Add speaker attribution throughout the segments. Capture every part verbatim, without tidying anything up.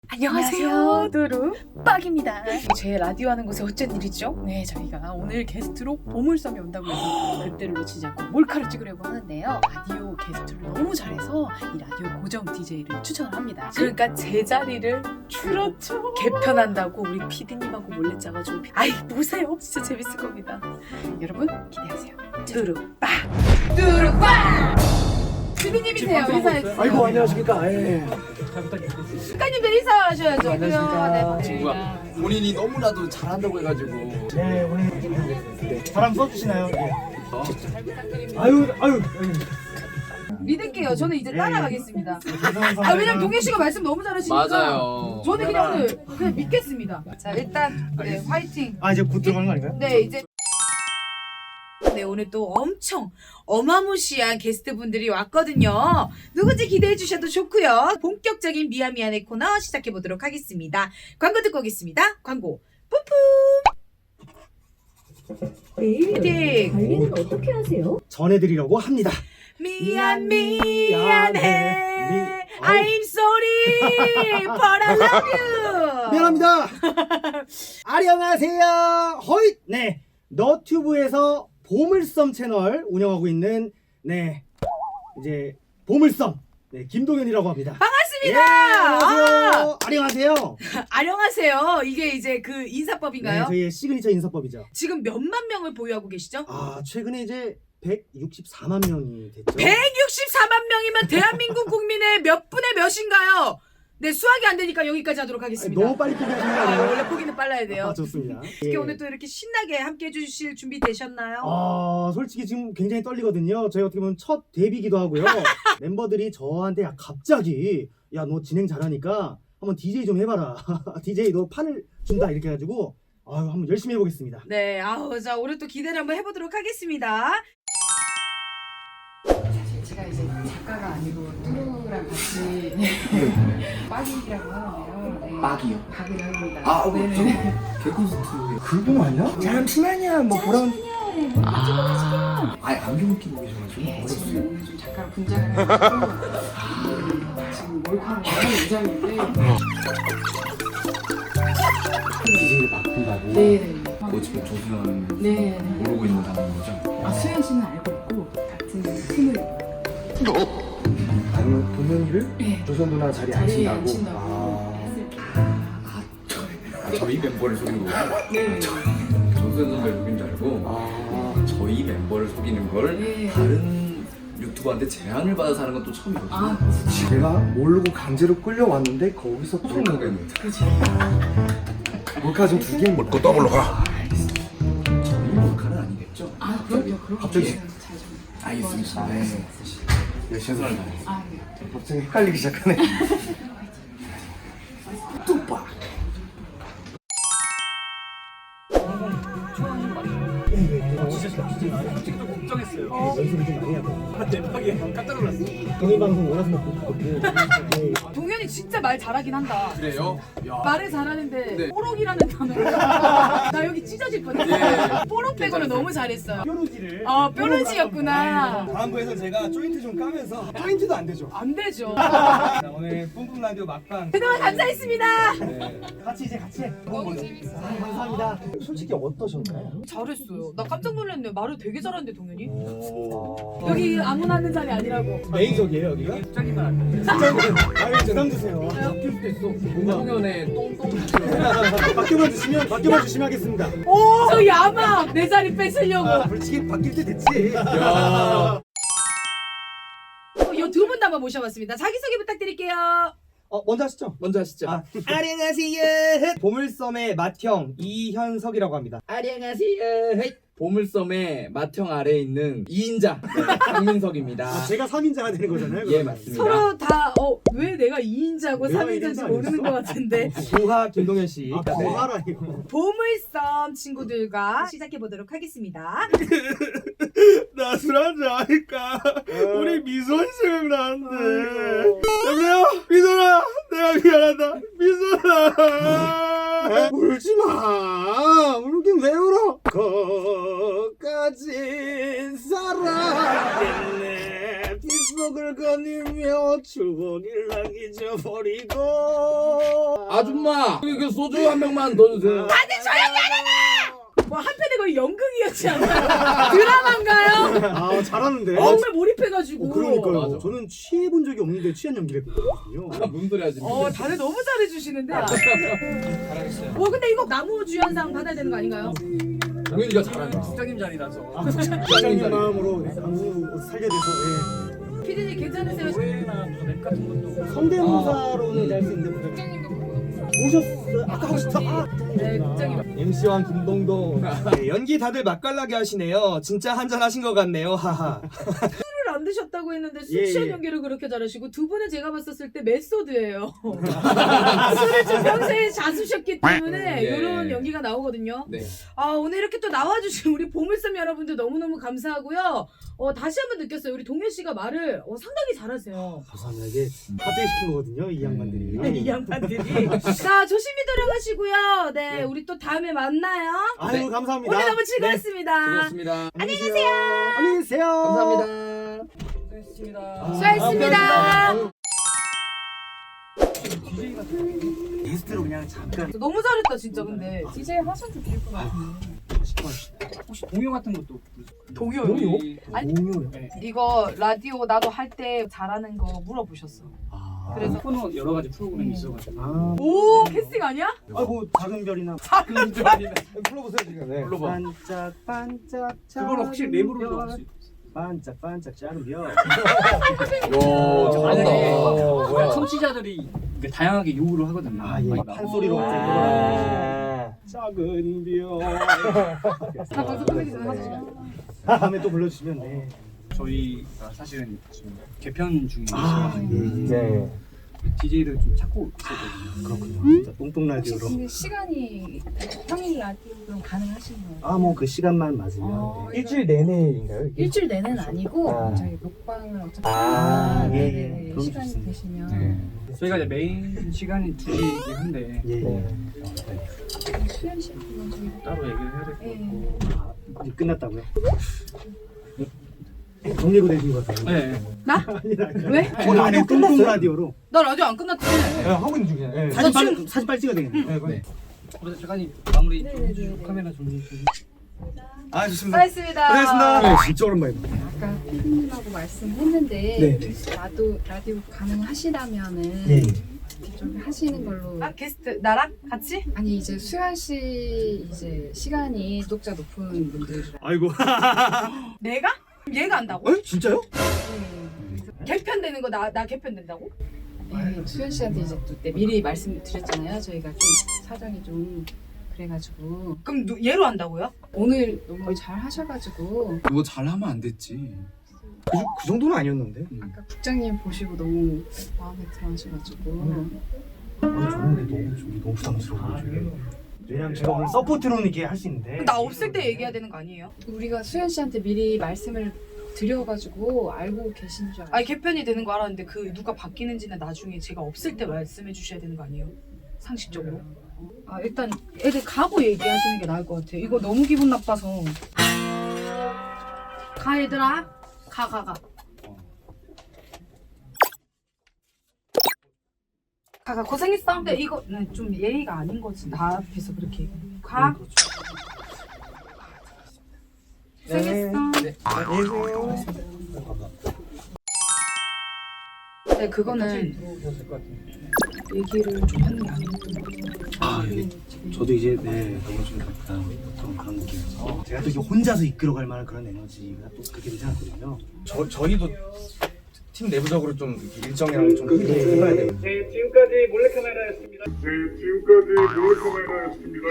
Speaker 1: 안녕하세요, 두루 빡입니다. 제 라디오 하는 곳에 어쩐 일이죠? 네, 저희가 오늘 게스트로 보물섬에 온다고 해서 그때를 놓치지 않고 몰카를 찍으려고 하는데요. 라디오 게스트를 너무 잘해서 이 라디오 고정 디제이를 추천을 합니다. 그러니까 제 자리를 그렇죠 개편한다고 우리 피디님하고 몰래 짜가지고 아이 보세요, 진짜 재밌을 겁니다. 여러분 기대하세요. 두루 빡! 두루 빡! 주민님이세요. 인사해주세요.
Speaker 2: 아이고 안녕하십니까. 예.
Speaker 3: 잘 부탁드리겠습니다.
Speaker 1: 작가님들 인사하셔야죠.
Speaker 2: 안녕하십니까.
Speaker 1: 네,
Speaker 2: 친구가 본인이 너무나도 잘한다고 해가지고.
Speaker 3: 네, 오늘 네. 바람 써주시나요? 네.
Speaker 2: 어?
Speaker 1: 잘 부탁드립니다.
Speaker 3: 아유, 아유.
Speaker 1: 믿을게요. 저는 이제
Speaker 3: 네.
Speaker 1: 따라가겠습니다.
Speaker 3: 죄송한
Speaker 1: 아, 왜냐면 동현 씨가 말씀 너무 잘하시니까.
Speaker 2: 맞아요.
Speaker 1: 저는 그냥 오늘 그냥 믿겠습니다. 자, 일단 네, 화이팅.
Speaker 3: 아, 이제 곧 들어가는 거 아닌가요?
Speaker 1: 네, 이제 네, 오늘 또 엄청 어마무시한 게스트분들이 왔거든요. 누군지 기대해 주셔도 좋고요. 본격적인 미아미안의 코너 시작해 보도록 하겠습니다. 광고 듣고 오겠습니다. 광고 뿜뿜.
Speaker 4: 매일
Speaker 1: 화이팅.
Speaker 4: 관리는 어떻게 하세요?
Speaker 3: 전해드리려고 합니다.
Speaker 1: 미안 미안해
Speaker 3: 미-
Speaker 1: I'm sorry but I love you.
Speaker 3: 미안합니다. 안녕하세요. 허잇. 네, 너튜브에서 보물섬 채널 운영하고 있는 네 이제 보물섬 네 김동현이라고 합니다. 예,
Speaker 1: 반갑습니다.
Speaker 3: 안녕하세요. 안녕하세요.
Speaker 1: 아, 안녕하세요. 이게 이제 그
Speaker 3: 네,
Speaker 1: 인사법인가요?
Speaker 3: 저희의 시그니처 인사법이죠.
Speaker 1: 지금 몇만 명을 보유하고 계시죠?
Speaker 3: 아, 최근에 이제 백육십사만 명이 됐죠.
Speaker 1: 백육십사만 명이면 대한민국 국민의 몇 분의 몇인가요? 네, 수학이 안 되니까 여기까지 하도록
Speaker 3: 아니,
Speaker 1: 하겠습니다.
Speaker 3: 너무 빨리 포기하신 거
Speaker 1: 아,
Speaker 3: 아니에요?
Speaker 1: 원래 포기는 빨라야 돼요.
Speaker 3: 아, 좋습니다.
Speaker 1: 특히
Speaker 3: 예.
Speaker 1: 오늘 또 이렇게 신나게 함께 해주실 준비 되셨나요?
Speaker 3: 아, 솔직히 지금 굉장히 떨리거든요. 저희 어떻게 보면 첫 데뷔기도 하고요. 멤버들이 저한테 야, 갑자기 야, 너 진행 잘하니까 한번 디제이 좀 해봐라. 디제이 너 판을 준다 이렇게 해가지고 아유, 한번 열심히 해보겠습니다.
Speaker 1: 네, 아우, 자, 오늘 또 기대를 한번 해보도록 하겠습니다. 사실 제가 이제 작가가 아니고 뚜루랑 같이 빡이라고 하는데요. 네.
Speaker 2: 빡이요?
Speaker 1: 빡이를 합니다.
Speaker 2: 아, 어,
Speaker 1: 네네.
Speaker 2: 개콘서트.
Speaker 3: 그분 아니야? 잠시만요. 뭐 그런.
Speaker 2: 아, 아예 안경 끼고 계셔가지고
Speaker 1: 네,
Speaker 2: 어렸어요.
Speaker 1: 지금 오늘 좀 작가로 분장을 해가지고 지금 몰카로 나가는 의장인데.
Speaker 2: 디제이를 바꾼다고.
Speaker 1: 네네.
Speaker 2: 뭐 지금 조수현
Speaker 1: 네.
Speaker 2: 모르고 있는 상황인 거죠?
Speaker 1: 아, 수현 씨는 알고 있고 같은 팀을
Speaker 3: 아니, 동현이를
Speaker 1: 네.
Speaker 3: 조선 누나 자리에
Speaker 1: 자리에
Speaker 3: 앉힌다고.
Speaker 1: 앉힌다고
Speaker 3: 아.
Speaker 1: 했을 때.
Speaker 2: 아, 저희 멤버를 속이는 거구나.
Speaker 1: 네.
Speaker 2: 조수현 선배를 속인 줄 알고
Speaker 3: 아.
Speaker 2: 저희 멤버를 속이는 걸
Speaker 1: 네.
Speaker 2: 다른 유튜버한테 제안을 받아서 하는 건 또 처음이거든요.
Speaker 1: 아,
Speaker 5: 제가 모르고 강제로 끌려왔는데 거기서 또
Speaker 2: 몰카는
Speaker 1: 그렇지.
Speaker 5: 몰카 지금 두 개입니다.
Speaker 2: 또 더블로 가. 저희 몰카는 아니겠죠?
Speaker 1: 아, 그럼요. 그럼요.
Speaker 5: 갑자기.
Speaker 1: 네, 잘 좀.
Speaker 2: 알겠습니다.
Speaker 1: 네.
Speaker 2: 네.
Speaker 5: 네, 죄송합니다.
Speaker 1: 아, 네.
Speaker 5: 갑자기 헷갈리기 시작하네. 뚜빠.
Speaker 3: 걱정했어요. 연습을 좀 많이 하고. 대박이야. 깜짝 놀랐어. 동일 방송 원하서 먹고 가고. 네.
Speaker 1: 동현이 진짜 말 잘하긴 한다.
Speaker 2: 그래요? 야.
Speaker 1: 말을 잘하는데
Speaker 2: 네.
Speaker 1: 뽀록이라는 단어가 나 여기 찢어질 뻔했어.
Speaker 2: 예.
Speaker 1: 뽀록 빼고는 너무 잘했어요.
Speaker 3: 뾰루지를.
Speaker 1: 아, 뾰루지였구나.
Speaker 3: 다음 거에서 제가 조인트 좀 까면서 조인트도 안 되죠.
Speaker 1: 안 되죠.
Speaker 3: 자, 오늘 뿜뿜 라디오 막방.
Speaker 1: 그동안 감사했습니다.
Speaker 3: 네. 같이 이제 같이 해.
Speaker 1: 너무 재밌어.
Speaker 3: 아, 감사합니다. 솔직히 어떠셨나요?
Speaker 1: 잘했어요. 나 깜짝 놀랐네. 말을 되게 잘하는데 동현이.
Speaker 3: 오.
Speaker 1: 여기 아무나 하는 자리 아니라고.
Speaker 3: 메인석이에요 여기가?
Speaker 2: 갑자기만 안 돼.
Speaker 3: 진짜 아유 부담 주세요.
Speaker 2: 바뀔 수도 있어. 공공연에 똥똥.
Speaker 3: 바뀌어만 주시면 바뀌어만 주시면 하겠습니다.
Speaker 1: 오, 저 야망 내 자리 뺏으려고.
Speaker 3: 아, 솔직히 바뀔 때 됐지.
Speaker 2: 야.
Speaker 1: 이 두 분 남아 모셔봤습니다. 자기소개 부탁드릴게요.
Speaker 3: 어 먼저 하시죠.
Speaker 2: 먼저 하시죠.
Speaker 3: 아, 안녕하세요. 보물섬의 맏형 이현석이라고 합니다.
Speaker 2: 안녕하세요. 보물섬의 맏형 아래에 있는 이 인자 네, 강민석입니다.
Speaker 3: 아, 제가 삼 인자가 되는 거잖아요.
Speaker 2: 예,
Speaker 3: 그러면.
Speaker 2: 맞습니다.
Speaker 1: 서로 다 어 왜 내가 이 인자고
Speaker 3: 내가
Speaker 1: 삼
Speaker 3: 일
Speaker 1: 인자인지
Speaker 3: 인자
Speaker 1: 모르는
Speaker 3: 아니었어?
Speaker 1: 것 같은데.
Speaker 3: 고하 김동현 씨.
Speaker 2: 아,
Speaker 3: 네.
Speaker 2: 고하라니요.
Speaker 1: 보물섬 친구들과 시작해 보도록 하겠습니다.
Speaker 3: 나 술 한잔 하니까 우리 미소이 생각나는데. 여보세요? 미소라, 내가 미안하다. 미소라. 울지 마. 울긴 왜 울어? 거까지 살아있네. 미소. 약속을 거니며 추억을 잊어버리고.
Speaker 2: 아줌마 이거 소주 한 병만 더 주세요.
Speaker 1: 뭐 한편에 거의 연극이었지 않나요? 드라마인가요?
Speaker 3: 아 잘하는데.
Speaker 1: 정말 몰입해가지고.
Speaker 3: 어, 그러니까요.
Speaker 2: 맞아.
Speaker 3: 저는 취해본 적이 없는데 취한 연기를 했거든요.
Speaker 2: 무슨 소리 하지?
Speaker 1: 어 다들 너무 잘해주시는데.
Speaker 4: 잘하겠어요.
Speaker 1: 어 근데 이거 나무 주연상 받아야 되는 거 아닌가요?
Speaker 2: 동현이가 잘하네.
Speaker 4: 국장님 자리라서.
Speaker 3: 부장님 마음으로 안무 살려내서
Speaker 1: 피디님 괜찮으세요?
Speaker 4: 노래나 무슨 랩 같은 것도.
Speaker 3: 예. 성대모사로는 이제 할 수 있는데 부장님 오셨어요. 아까 하고 싶다. 아.
Speaker 1: 네, 국장님.
Speaker 3: 엠씨왕 김동동.
Speaker 6: 네, 연기 다들 맛깔나게 하시네요. 진짜 한잔 하신 것 같네요. 하하.
Speaker 1: 술을 안 드셨다고 했는데 술
Speaker 3: 예,
Speaker 1: 취한
Speaker 3: 예.
Speaker 1: 연기를 그렇게 잘하시고 두 분은 제가 봤었을 때 메소드예요. 술을 좀 평소에 자수셨기 때문에
Speaker 2: 예.
Speaker 1: 이런 연기가 나오거든요.
Speaker 2: 네.
Speaker 1: 아 오늘 이렇게 또 나와주신 우리 보물섬 여러분들 너무너무 감사하고요. 어, 다시 한번 느꼈어요. 우리 동현 씨가 말을 어, 상당히 잘하세요.
Speaker 3: 감사합니다. 이게 갑자기 시킨 거거든요. 이 양반들이.
Speaker 1: 네, 이 양반들이. 자 조심히 들어가시고요. 네,
Speaker 3: 네.
Speaker 1: 우리 또 다음에 만나요.
Speaker 3: 아유 감사합니다.
Speaker 1: 오늘 너무 즐거웠습니다.
Speaker 2: 수고하셨습니다.
Speaker 3: 안녕히 계세요. 안녕히 계세요.
Speaker 2: 감사합니다.
Speaker 4: 수고하셨습니다.
Speaker 1: 수고하셨습니다.
Speaker 3: 게스트로 그냥 잠깐.
Speaker 1: 너무 잘했다 진짜 근데. 디제이 하셔도 될 것 같은데.
Speaker 4: 혹시 동요 같은 것도
Speaker 1: 동요?
Speaker 3: 동요?
Speaker 1: 아니,
Speaker 3: 동요요?
Speaker 4: 네.
Speaker 1: 이거 라디오 나도 할 때 잘하는 거 물어보셨어.
Speaker 3: 아.
Speaker 1: 그래서-
Speaker 4: 코너 여러 가지 프로그램이
Speaker 1: 음.
Speaker 4: 있어가지고.
Speaker 3: 아.
Speaker 1: 오 캐스팅 아니야?
Speaker 3: 아이고 작은 별이나
Speaker 1: 작은 별이나.
Speaker 3: 불러보세요 지금. 네.
Speaker 2: 불러봐.
Speaker 3: 반짝 반짝.
Speaker 4: 그걸 혹시
Speaker 3: 작은
Speaker 4: 랩으로
Speaker 3: 별.
Speaker 4: 들어갈 수 있어요?
Speaker 3: 반짝 반짝 작은 별.
Speaker 2: 야,
Speaker 4: 만약에
Speaker 2: 잘한다.
Speaker 3: 뭐야?
Speaker 4: 청취자들이 이게 다양하게 요구를 하거든요.
Speaker 3: 아 예.
Speaker 4: 많이
Speaker 3: 판소리로.
Speaker 2: 아.
Speaker 3: 작은 별.
Speaker 1: 나 방송 끝내기 전에 하자.
Speaker 3: 다음에 또 불러주시면 네.
Speaker 4: 저희가 사실은 지금 개편 중에
Speaker 3: 아,
Speaker 4: 있어가지고
Speaker 3: 네.
Speaker 4: 디제이를 좀 찾고 있었거든요.
Speaker 3: 그렇군요. 진짜 똥똥 라디오로.
Speaker 7: 근데 시간이 평일 라디오 그럼 가능하신 거예요?
Speaker 3: 아 뭐 그 시간만 맞으면.
Speaker 7: 어,
Speaker 3: 네.
Speaker 6: 일주일 내내인가요? 이게?
Speaker 7: 일주일 내는 아니고
Speaker 3: 아.
Speaker 7: 저희 녹방을 어차피
Speaker 3: 아,
Speaker 7: 하니까
Speaker 3: 예,
Speaker 7: 네네네.
Speaker 3: 예. 그럼
Speaker 7: 시간이
Speaker 3: 좋습니다.
Speaker 7: 되시면
Speaker 4: 네. 저희가 이제 메인 시간이 두 시이긴 한데
Speaker 3: 예. 예.
Speaker 7: 수현 씨 한번 저희
Speaker 4: 따로 얘기를 해야 될 것
Speaker 7: 예.
Speaker 4: 같고.
Speaker 3: 아, 이제 끝났다고요? 정리고 되신 것 같아요.
Speaker 4: 네.
Speaker 3: 아니다.
Speaker 1: 왜?
Speaker 3: 오늘 안에 똥똥 라디오로.
Speaker 1: 나 라디오 안 끝났지?
Speaker 6: 네, 하고 있는 중이에요. 네.
Speaker 3: 사진
Speaker 1: 나
Speaker 3: 빨리
Speaker 1: 지금-
Speaker 3: 사진 빨리 찍어야 되겠네.
Speaker 4: 네. 그래서 잠깐 마무리 좀
Speaker 7: 네네네.
Speaker 4: 해주시고 카메라 좀 해주시고.
Speaker 6: 아, 좋습니다.
Speaker 1: 수고하셨습니다.
Speaker 6: 고생하셨습니다.
Speaker 3: 네, 진짜 오랜만이다.
Speaker 7: 아까 피디님하고 말씀했는데
Speaker 3: 네.
Speaker 7: 나도 라디오 가능하시다면은
Speaker 3: 네.
Speaker 7: 좀 하시는 걸로.
Speaker 1: 아 게스트 나랑 같이?
Speaker 7: 아니 이제 수현 씨 이제 시간이 구독자 높은 분들.
Speaker 3: 아이고.
Speaker 1: 내가? 얘가 한다고?
Speaker 3: 어? 진짜요?
Speaker 7: 네.
Speaker 1: 개편되는 거 나 나 개편된다고?
Speaker 7: 네, 수현 씨한테 이제 또 때 미리 말씀드렸잖아요. 저희가 좀 사정이 좀 그래가지고
Speaker 1: 그럼 누, 얘로 한다고요?
Speaker 7: 오늘 너무 잘 하셔가지고
Speaker 2: 그거 잘하면 안 됐지.
Speaker 3: 그, 그 정도는 아니었는데.
Speaker 7: 아까 국장님 보시고 너무 마음에 들어하셔가지고
Speaker 3: 아니 저는 근데 너무 저기 너무 부담스러워 저게. 왜냐면 제가 오늘 서포트로는 이렇게 할 수 있는데.
Speaker 1: 나 없을 때 얘기해야 되는 거 아니에요?
Speaker 7: 우리가 수현 씨한테 미리 말씀을 드려가지고 알고 계신 줄 알아요.
Speaker 1: 아니 개편이 되는 거 알았는데 그 누가 바뀌는지는 나중에 제가 없을 때 말씀해 주셔야 되는 거 아니에요? 상식적으로. 아 일단 애들 가고 얘기하시는 게 나을 것 같아요. 이거 너무 기분 나빠서. 가 얘들아. 가 가 가. 가가 고생했어. 근데 이거는 좀 예의가 아닌 거지. 나 앞에서 그렇게 얘기해. 가. 고생했어.
Speaker 3: 네. 안녕히 계세요.
Speaker 1: 네, 그거는
Speaker 4: 될것 같은데.
Speaker 1: 얘기를 좀 하는 게 아닌 것 같아요.
Speaker 3: 아 이게 저도 이제 네 너무 좀 부담스러운 그런 느낌이어서 제가 또 이게 혼자서 이끌어갈 만한 그런 에너지가 또 그렇게 되지 않거든요.
Speaker 6: 저, 저희도 팀 내부적으로 좀 일정이랑 좀 해봐야 돼요.
Speaker 8: 네, 지금까지 몰래카메라였습니다. 네, 지금까지 몰래카메라였습니다.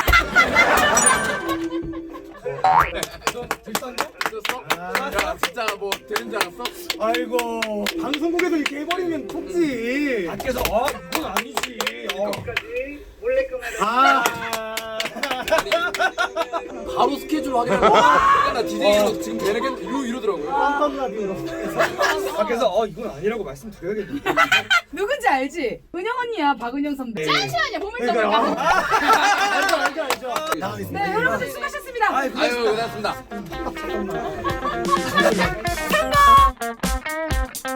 Speaker 2: 야, 진짜 뭐 되는 줄 알았어?
Speaker 3: 아이고 방송국에서 이렇게 해버리면 톡지.
Speaker 6: 밖에서 아 이건 아니지. 어.
Speaker 8: 지금까지 몰래카메라.
Speaker 3: 아.
Speaker 2: 바로 스케줄 확인하고 아, 나 디제이로 지금 되는 게 이러, 이러더라고요.
Speaker 3: 깜깜 라디오로.
Speaker 6: 밖에서 어 이건 아니라고 말씀드려야겠네.
Speaker 1: 누군지 알지? 은영 언니야, 박은영 선배. 잠시만요, 보물섬을
Speaker 3: 그러니까요.
Speaker 1: 가.
Speaker 3: 알죠 알죠 알죠. 나가겠습니다.
Speaker 1: 네, 여러분들 수고하셨습니다.
Speaker 2: 아유, 고생하셨습니다.
Speaker 3: 잠깐만.